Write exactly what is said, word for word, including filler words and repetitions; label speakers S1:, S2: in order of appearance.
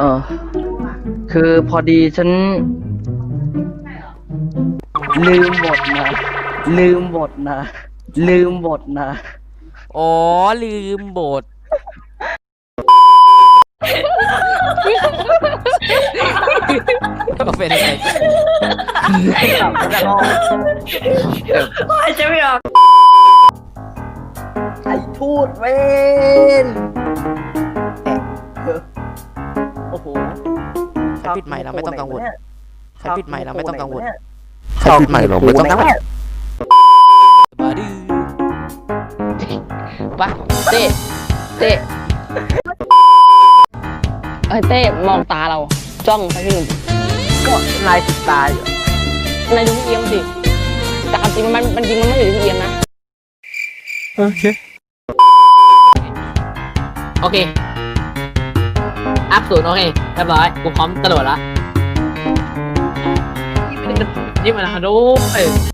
S1: ออคือพอดีฉัน ลืมบทนะ ลืมบทนะ ลืมบทนะ
S2: อ๋อลืมบทเป็นไง
S3: หายใจไม่ออก
S1: ไอ้ทูดเวน โอ้โห
S2: ใครปิดใหม่เราไม่ต้องกังวลใครปิดใหม่เราไม่ต้องกังวล
S1: ใครปิดใหม่เราไม่ต้องกังวล
S2: บาดื้อ
S4: ปะเต้เต้เอ้ยเต้มองตาเรา จ้องไปที่หนึ่ง
S1: ก็นายติดตายอยู่
S4: นายดูพี่เอียมสิแต่ความจริงมันมันจริงมันไม่อยู่ที่พี่เอียมนะ
S2: โอเค
S3: โอเค อัพศูนย์โอเค เรียบร้อย กูพร้อมกระโดดละนี่มันนี่มันฮาโดเอ้ย